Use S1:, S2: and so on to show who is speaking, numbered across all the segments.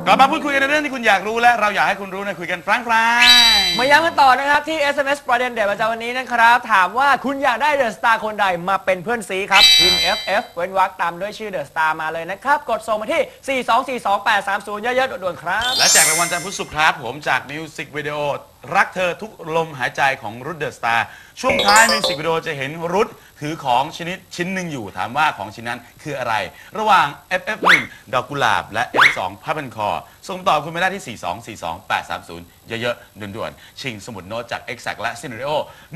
S1: ลับมาพูดคุยกันในเรื่องที่คุณอยากรู้และเราอยากให้คุณรู้นะคุยกันฟรั่ง
S2: มาย้ำกันต่อนะครับที่ SMS ประเด็นเด็ดประจำวันนี้นะครับถามว่าคุณอยากได้เดอะสตาร์คนใดมาเป็นเพื่อนซีครับพิมพ์ FF เว้นวรรคตามด้วยชื่อเดอะสตาร์มาเลยนะครับกดส่งมาที่ 4242830 เยอะๆด่วนๆครับ
S1: และแจกรางวัลจันทร์พุธศุกร์ครับผมจากมิวสิกวิดีโอรักเธอทุกลมหายใจของรุทเดอะสตาร์ช่วงท้ายมิวสิกวิดีโอจะเห็นรุทถือของชิ้นหนึ่งอยู่ถามว่าของชิ้นนั้นคืออะไรระหว่าง FF1 ดอกกุหลาบและ F2 ผ้าพันคอส่งตอบคุณไม่ได้ที่ 4242830 เยอะๆด่วนๆชิงสมุดโน้ตจาก Exact และ Scenario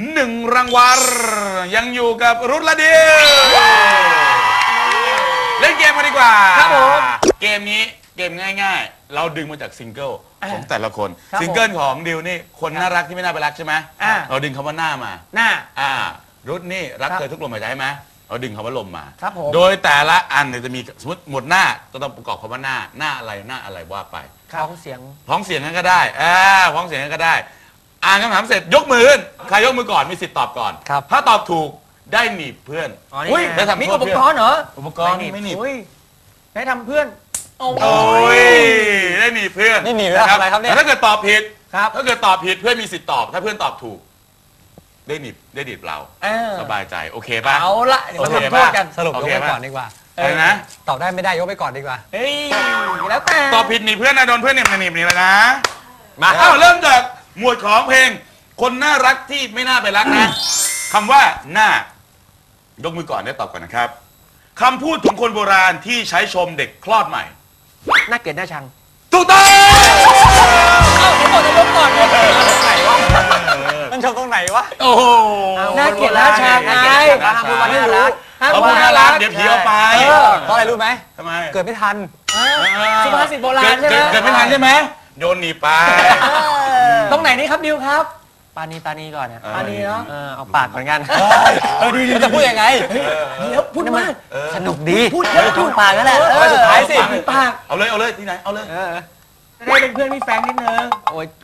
S1: 1 รางวัลยังอยู่กับรุทและดิวเล่นเกมมาดีกว่า
S2: ครับผม
S1: เกมนี้เกมง่ายๆเราดึงมาจากซิงเกิลของแต่ละคนซิงเกิลของดิวนี่คนน่ารักที่ไม่น่าไปรักใช่ไหมเราดึงคำว่าหน้ามา
S2: หน้า
S1: รุทนี่รักเธอทุกลมหายใจใช่ไหมเราดึงคำว่าลมมาโดยแต่ละอันเนี่ยจะมีสมมติหมดหน้าก็ต้องประกอบคำว่าหน้าอะไรว่าไป
S2: พ้องเสียง
S1: นั้นก็ได้พ้องเสียงนั้นก็ได้อ่านคำถามเสร็จยกมือขึ้นใครยกมือก่อนมีสิทธิ์ตอบก่อนถ้าตอบถูกได้หนีบเพื่อน
S2: ได้ทำมีอุปกรณ์เหรอ
S1: อุปกรณ์ไม่หนีบ
S2: ได้ทำเพื่อน
S1: โอ้ยได้หนีบเพื่อน
S2: นี่หนีบอะไรครับเนี่ย
S1: ถ้าเกิดตอบผิดถ้าเกิดตอบผิดเพื่อนมีสิทธิ์ตอบถ้าเพื่อนตอบถูกได้หนีบเราสบายใจโอเคป่ะ
S2: เอาละเดี๋ยวเราทำโทษกัน
S3: สรุปยกไปก่อนดีกว่า
S1: อะไรนะ
S3: ตอบได้ไม่ได้ยกไปก่อนดีกว่า
S2: เฮ้ยแล้วแต่
S1: ตอบผิดหนีเพื่อนนะโดนเพื่อนหนีนี่แล้วนะมาเริ่มจากหมวดของเพลงคนน่ารักที่ไม่น่าไปรักนะคำว่าหน้ายกมือก่อนได้ตอบก่อนนะครับคำพูดของคนโบราณที่ใช้ชมเด็กคลอดใหม่
S2: น่าเกลียดน่าชัง
S1: ถูกต้อง
S2: ผมบอกจะยกก่อนเลยไหนวะ
S3: มันชมตรงไหนวะ
S1: โอ้โห
S2: น่าเกลียดน่าชังไงห้ามพูดว่าน่ารัก
S1: เขาพูดน่ารักเดี๋ยวผีเอาไป
S3: เพราะอะไรรู้ไหม
S1: ทำไม
S3: เกิดไม่ทัน
S2: สุภาษิตโบราณใช่ไหม
S1: เกิดไม่ทันใช่ไหมโดนหนีไป
S2: ตรงไหนนี่ครับดิวครับ
S3: ปานีก่อนเนี่ย
S2: ปานีเนาะ
S3: เอาปากก่อนกัน
S2: ดี
S3: จะพูดยังไง
S2: เดี๋ยวพูดมาก
S3: สนุกดี
S2: พูดเยอะพูด
S3: ปากนั่นแหละ
S1: สุดท้ายสิ
S2: ปาก
S1: เอาเลยที่ไหนเอาเลย
S2: จะได้เป็นเพื่อนพี่แฟงนิดนึง
S3: โอ้ย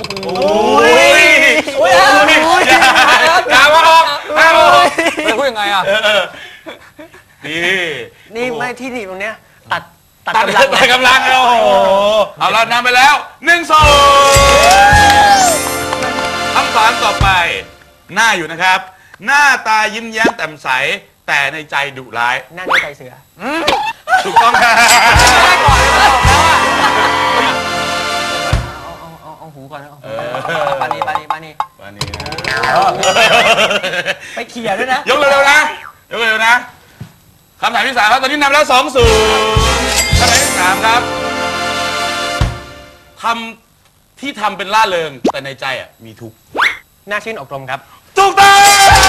S1: กาว่าออก
S3: จะพูดยังไงอ่ะ
S2: นี่ไม่ที่หนีตรงเนี้ยตัด
S1: กำลังโอ้โหเอาเรานำไปแล้ว1-2คำถามต่อไปหน้าอยู่นะครับหน้าตายิ้มแย้มแจ่มใสแต่ในใจดุร้าย
S2: หน้าในใจเสือ
S1: ถูกต้องครับ
S2: เอาหูก่อนนะปานีไปเขี่ยด้วยนะ
S1: ยกเร็วนะคำถามที่ 3ครับตอนนี้นำแล้ว2-0คำถามที่ 3ครับที่ทำเป็นล่าเริงแต่ในใจมีทุกข์
S2: น่าชื่นอกลมครับ
S1: ถูกต้อง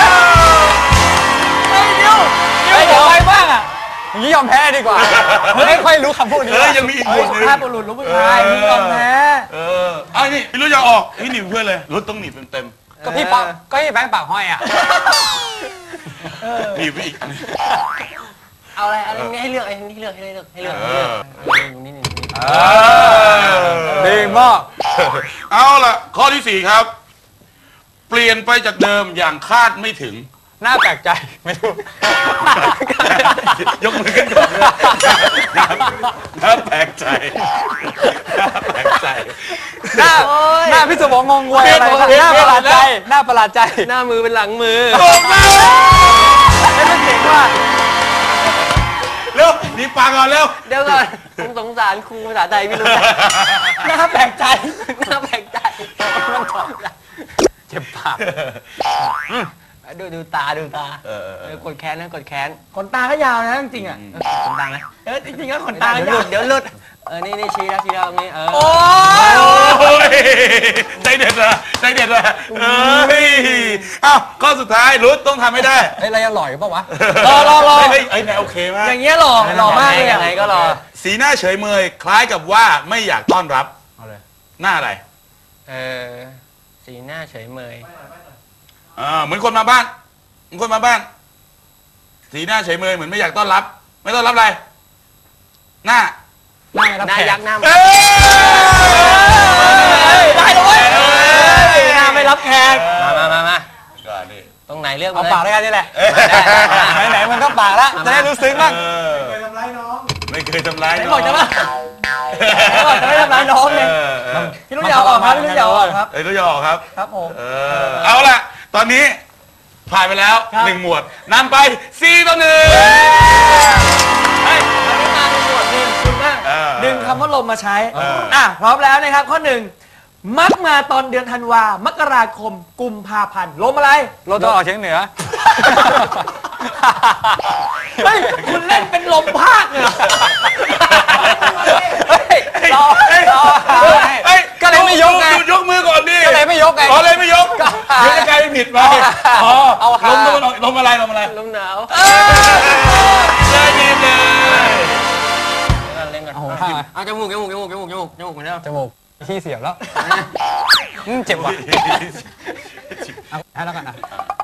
S2: เดี๋ยวไปบ้าง
S3: อย่างนี้ยอมแพ้ดีกว่าไม่ค่อยรู้คำพูดนี้
S1: ยังมีอีกหมวดนึง
S2: ภาพบุรุษรู้ผู้ชายมึงยอมแพ้
S1: นี่ไม่รู้จะออกหนีบเพื่อนเลยรถต้องหนีบเต็ม
S3: ก็พี่แบงค์ปากห้อย
S1: หนีบไปอีก
S2: เอาอะไรให้เลือกให้เลือกนี่
S3: ดีมาก
S1: เอาล่ะข้อที่ 4ครับเปลี่ยนไปจากเดิมอย่างคาดไม่ถึง
S3: น่าแปลกใจไม่รู้
S1: ยกมือขึ้นก่อนน่าแปลกใจ
S3: หน้าพี่สมองงงวยอะไรหน้าประหลาดใจหน้ามือเป็นหลังมือ
S2: ไม่ต้องเก่งว่า
S1: เร็วนี่ปากก่อนเร็ว
S2: เดี๋ยวก่อนผมสงสารครูภาษาไทยไม่รู้น่าแปลกใจมันถอด
S3: เจ็บปาก
S2: ดูตากดแขนนะกดแขนขนตาก็ยาวนะจริงขนตาไหมจริงๆก็ขนตาเดี๋ยวหลุดนี่ชี้แล้วตรงนี้
S1: โอ้ยใจเด็ดเลยข้อสุดท้ายรุ้ต้องทำให้ได้
S3: อะไรอร่อยป่าวะ
S2: รอ
S1: นายโอเคมาก
S2: อย่างเงี้ยหล่อมากเลย
S3: ยังไงก็รอ
S1: สีหน้าเฉยเมยคล้ายกับว่าไม่อยากต้อนรับหน้าอะไร
S2: สีหน้าเฉยเมย
S1: เหมือนคนมาบ้านสีหน้าเฉยเมยเหมือนไม่อยากต้อนรับไม่ต้อนรับอะไรหน้า
S2: ยักษ์หน้าได้เลยหน้าไม่รับแขกมาตรงไหนเลือก
S3: เอาปากด้วยกันนี่แหละไหนมันก็ปากแล้วจะได้รู้ซึ้งบ้าง
S1: ไม่เคยทำร้ายน้อง
S2: บอกจะว่าจะไม่ทำร้ายน้องเลยพี่ลูกยาวออกครับพี่ลูกยาวออกครับ
S1: ลูกยาวออกครับ
S2: ครับผม
S1: เอาล่ะตอนนี้ผ่านไปแล้ว
S2: ครับ
S1: 1 หมวดนำไป4-1
S2: เฮ้ยมันไม่มาในหมวดหนึ่งคุณมากดึงคำว่าลมมาใช้พร้อมแล้วนะครับข้อ 1มักมาตอนเดือนธันวามกราคมกุมภาพันธ์ลมอะไร
S3: ลมตะวันออกเฉียงเหนือ
S2: เฮ้ยคุณเล่นเป็นลมภาคเลยเหรอ
S3: รอก็เลยไม่ยกไง
S1: ยกมือก่อนดิ
S3: ก็เลยไม่ยกไง
S1: อ๋อเลยไม่ยกเดี๋ยวจะกลายเป็นผิดไปเอาลมตะวันออกลมอะไรลมอะไร
S2: ลมหนาว
S1: เลยดีเลย
S2: เล่นกัน
S3: โอ้โห
S2: เอาจมูกเหมือนเดิม
S3: จมูกที่เสียบแล้วเจ็บว่ะเอาให้แล้วกันนะ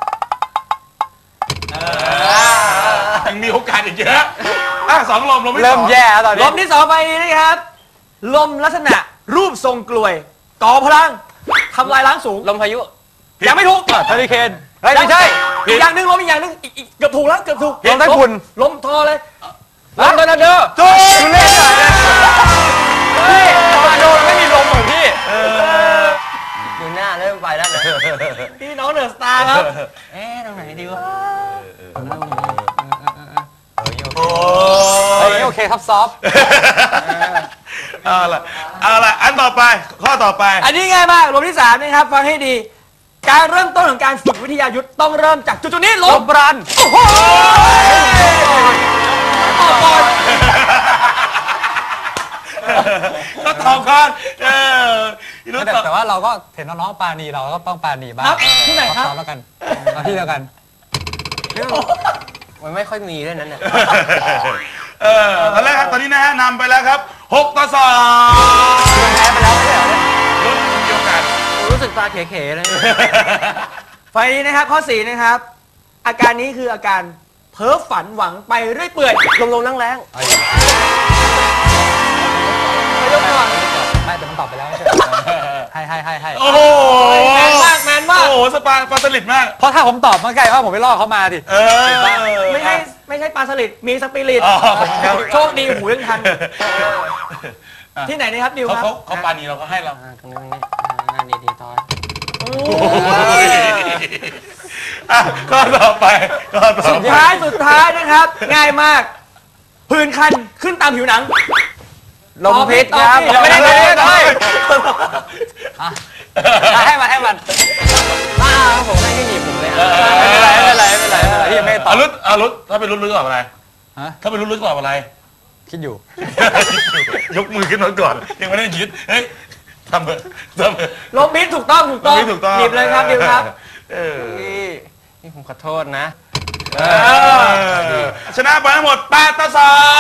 S1: ยังมีโอกาสอีกเยอะ2 ลมไม่
S3: เริ่มแย่แล้วตอน
S2: ล
S3: นี้
S2: มที่2ไปนี้นะครับ ลมลักษณะรูปทรงกลวยก่อพลังทำลายล้างสูง
S3: ลมพายุ
S2: ยังไม่ถูก
S3: เฮอริเคนเฮ้ยไม่ใช่
S2: อีกอย่างหนึ่งลมอีกอย่างหนึ่งอีกเกือบถูกแล้วเกือบถูก
S3: ลมไต้ฝุ่น
S2: ลมทอเลย
S3: ลมทอร์นาโดจุ๊บเล่นหน่อยนะเฮ้ยทอร์นาโดไม่มีลมเหมือนพี่
S2: อยู่หน้าเริ่มไปแล้วพี่น้องเดอะสตาร์ครับตรงไหนดีวะ
S3: เฮ้ยโอเคครับซอฟ
S1: เอาล่ะอันต่อไปข้อต่อไป
S2: อันนี้ง่ายมากลมที่3นะครับฟังให้ดี การเริ่มต้นของการฝึกวิทยายุทธ์ต้องเริ่มจากจุดนี้ล
S3: ล
S2: ม
S3: มบรัน
S2: โอ้โหต่อก่อน
S1: ก็ตอบก่อนรู้ตอบ
S3: แต่ว่าเราก็เห็นน้องๆปาณีเราก็ต้องปาณีบ้าง
S2: ครับที่ไหนครับ
S3: ซ้อมแล้วกันเอาที่เดียวกัน
S2: มันไม่ค่อยมีด้วยนั้นเนี่ย
S1: ตอนแรกครับตอนนี้นะฮะนำไปแล้วครับ6-2
S3: แพ้ไปแล้วไม่ใช่เหรอเนี่ย
S1: รุ่นเดียวกัน
S2: รู้สึกตาเขๆเลย ไฟนี้นะครับข้อ4นะครับ อาการนี้คืออาการเพ้อฝันหวังไปเรื่อยเปื่อยลมๆนั่งแรงไม่ยกก่อน
S3: ไม่แต่มันตอบไปแล้วไม่ใช่เหรอให้
S1: โอ้โห
S2: แมนมากแมนมาก
S1: โอ้โหสปาปลาสลิดมาก
S3: เพราะถ้าผมตอบมันไกลว่าผมไปล่อเขามาดิ
S2: ไม่ใช่ปลาสลิดมีสปิริต
S1: อ๋อ
S2: โชคดีหูยังทัน ที่ไหนนี่ครับดิวครับ
S1: เขาปานีเราก็ให้เรา
S2: ตรงนี้ดีตอน
S1: ก็ต่อไปก็ต่อ
S2: สุด
S1: ไป
S2: ท้ายนะครับ ง่ายมากผื่นคันขึ้นตามผิวหนัง
S3: ลมพิษครับ
S2: ไม่ได้
S3: ให้มัน
S2: ผมไม่ให้หนีบผมเลย
S3: ไม่เป็นไรที่ยังไม่ตอบ
S1: รุดถ้าเป็นรุดตอบอะไร
S3: ฮะ
S1: ถ้าเป็นรุดตอบอะไร
S3: คิดอยู่
S1: ยกมือขึ้นมาก่อนยังไม่ได้ยึดเฮ้ยทำเถอะ
S2: ลมพิษถูกต้อง
S1: ถูกต้อง
S2: หนีบเลยครับดิวครับ
S4: นี่ผมขอโทษนะ
S1: ชนะไปทั้งหมด8-2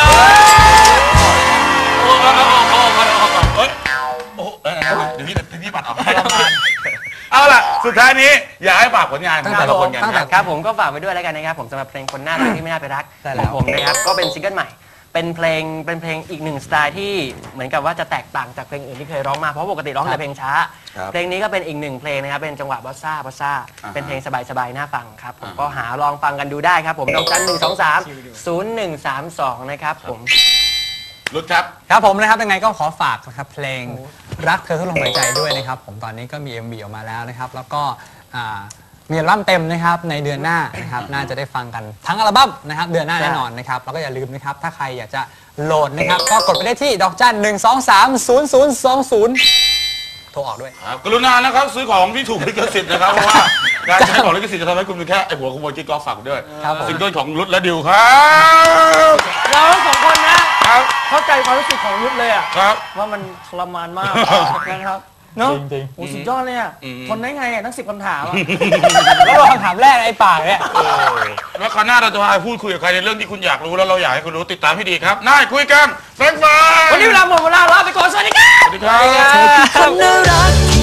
S1: โอ้เดี๋ยวพี่ปัดออกให้เอาล่ะสุดท้ายนี้อยากให้ฝากผลงานของแต่ละคนกันครับ
S4: ครับผมก็ฝากไว้ด้วยแล้วกันนะครับผมสำหรับเพลงคนน่ารักที่ไม่น่าไปรักของผมนะครับก็เป็นซิงเกิลใหม่เป็นเพลงอีกหนึ่งสไตล์ที่เหมือนกับว่าจะแตกต่างจากเพลงอื่นที่เคยร้องมาเพราะปกติร้องแต่เพลงช้า เพลงนี้ก็เป็นอีกหนึ่งเพลงนะครับเป็นจังหวะบอสซ่าเป็นเพลงสบายๆน่าฟังครับผมก็หาลองฟังกันดูได้ครับผมดอกจัน1230132นะครับผม
S1: รุดครับ
S3: ครับผมนะครับยังไงก็ขอฝากนะครับเพลงรักเธอทุกลมหายใจด้วยนะครับผมตอนนี้ก็มี MV ออกมาแล้วนะครับแล้วก็มีอัลบั้มเต็มนะครับในเดือนหน้านะครับน่าจะได้ฟังกันทั้งอัลบั้มนะครับเดือนหน้าแน่นอนนะครับแล้วก็อย่าลืมนะครับถ้าใครอยากจะโหลดนะครับก็กดไปได้ที่ดอกจัน1230020 โทรออกด้วย
S1: ครับกรุณานะครับซื้อของที่ถูกลิขสิทธิ์นะครับเพราะว่าการใช้ของลิขสิทธิ์จะทำให้คุณเป็นแค่ไอหัวขโมยกิ๊กก๊อกฝากด้วย
S3: ครับผม
S1: ซิงเกิลของรุดและดิวครับ
S2: เราทั้งสองคนนะครับ เข้าใจความรู้สึกของยุทธเลยอะ
S1: ครับ
S2: ว่ามันทรมานมากนะครับเนาะ
S3: จริง
S2: โอ้สุดยอดเลยอะทนได้ไงอะทั้ง10คำถามอะ
S3: ๆแล้วคำถามแรกไอ้ปากเนี่ย
S1: แล้วคราวหน้าเราจะมาพูดคุยกับใครในเรื่องที่คุณอยากรู้แล้วเราอยากให้คุณรู้ติดตามให้ดีครับน่าคุยกันแฟนๆ
S2: วันนี้เวลาหมดเวลาลาไปก่อนสวัสดีครับ
S1: สวัสดีครับ
S5: คนน่ารัก